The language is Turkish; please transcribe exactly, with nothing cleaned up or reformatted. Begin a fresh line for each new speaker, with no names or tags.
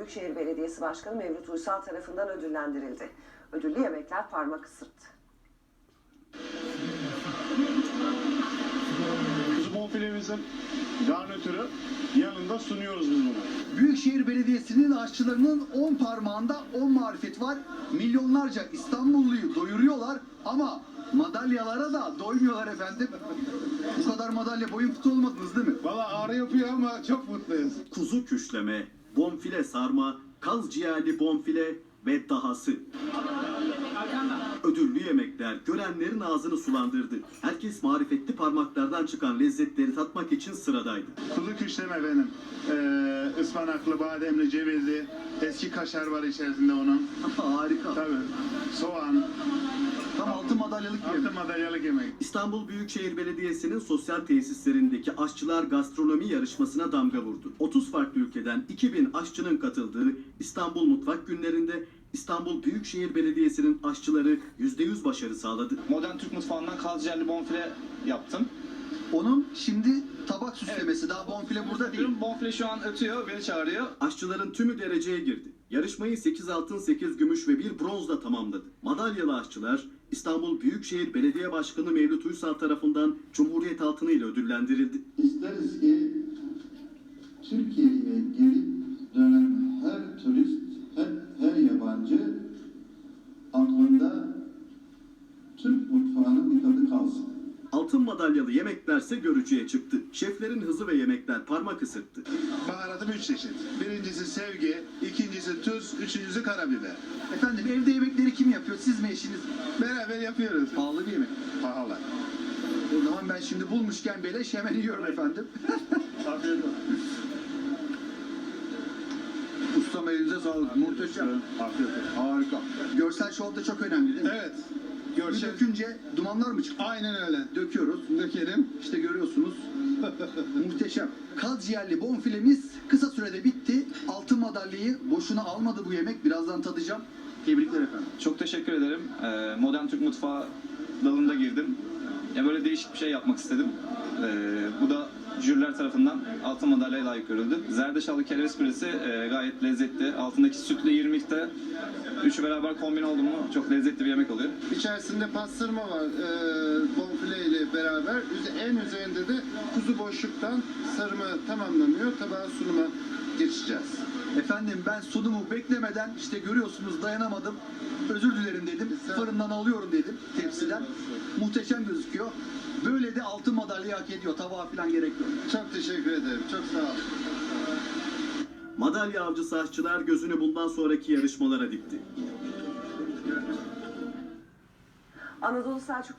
Büyükşehir Belediyesi Başkanı Mevlüt Uysal tarafından ödüllendirildi. Ödüllü yemekler parmak ısırttı.
Kuzu bonfilemizin garnitürü yanında sunuyoruz biz bunu.
Büyükşehir Belediyesi'nin aşçılarının on parmağında on marifet var. Milyonlarca İstanbulluyu doyuruyorlar ama madalyalara da doymuyorlar efendim. Bu kadar madalya boyun fıtı olmadınız değil mi?
Valla ağrı yapıyor ama çok mutluyuz.
Kuzu küşleme, bonfile sarma, kaz ciğerli bonfile ve dahası. Ödüllü yemekler görenlerin ağzını sulandırdı. Herkes marifetli parmaklardan çıkan lezzetleri tatmak için sıradaydı.
Kuzu küşleme benim. Ee, ıspanaklı, bademli, cevizli, eski kaşar var içerisinde onun.
Harika.
Tabii. Soğan.
Tam altın madalyalık
Altı
yemek.
madalyalık yemek.
İstanbul Büyükşehir Belediyesi'nin sosyal tesislerindeki aşçılar gastronomi yarışmasına damga vurdu. otuz farklı ülkeden iki bin aşçının katıldığı İstanbul Mutfak Günleri'nde İstanbul Büyükşehir Belediyesi'nin aşçıları yüzde yüz başarı sağladı.
Modern Türk mutfağından kaz ciğerli bonfile yaptım.
Onun şimdi tabak süslemesi. Daha bonfile burada değil.
Bonfile şu an ötüyor, beni çağırıyor.
Aşçıların tümü dereceye girdi. Yarışmayı sekiz altın, sekiz gümüş ve bir bronzla tamamladı. Madalyalı aşçılar İstanbul Büyükşehir Belediye Başkanı Mevlüt Uysal tarafından Cumhuriyet altını ile ödüllendirildi.
İsteriz ki Türkiye'ye gelip dönen her turist, her, her yabancı aklında Türk mutfağının bir tadı kalsın.
Altın madalyalı yemeklerse görücüye çıktı. Şeflerin hızı ve yemekler parmak ısırttı.
Baharatım üç çeşit. Birincisi sevgi, ikincisi tuz, üçüncüsü karabiber.
Efendim evde yemekleri kim yapıyor? Siz mi, eşiniz?
Beraber yapıyoruz.
Pahalı bir yemek.
Pahalı.
O zaman ben şimdi bulmuşken beleş hemen yiyorum efendim.
Afiyet olsun.
Ustam elinize sağlık. Muhteşem.
Afiyet olsun.
Harika. Görsel şov da çok önemli değil mi?
Evet.
Bir
Görsel.
dökünce dumanlar mı çıkıyor?
Aynen öyle.
Döküyoruz.
Dökelim.
İşte görüyorsunuz. Muhteşem. Kaz ciğerli bonfilemiz kısa sürede bitti. Altın madalyayı boşuna almadı bu yemek. Birazdan tadacağım. Tebrikler efendim.
Çok teşekkür ederim. Ee, modern Türk mutfağı dalında girdim. Ya böyle değişik bir şey yapmak istedim. Ee, bu da jüriler tarafından altın madalyaya layık görüldü. Zerdeçallı kereviz püresi e, gayet lezzetli. Altındaki sütle irmikte üçü beraber kombin oldu mu çok lezzetli bir yemek oluyor.
İçerisinde pastırma var e, bonfile ile beraber. Üze- En üzerinde de kuzu boşluktan sarımı tamamlanıyor. Tabağa sunuma geçeceğiz.
Efendim ben sunumu beklemeden işte görüyorsunuz dayanamadım. Özür dilerim dedim. Fırından alıyorum dedim tepsiden. Muhteşem gözüküyor. Böyle de altın madalyayı hak ediyor. Tabağa falan gerek yok.
Çok teşekkür ederim. Çok sağ olun.
Madalya avcısı aşçılar gözünü bundan sonraki yarışmalara dikti.
Anadolu Selçuk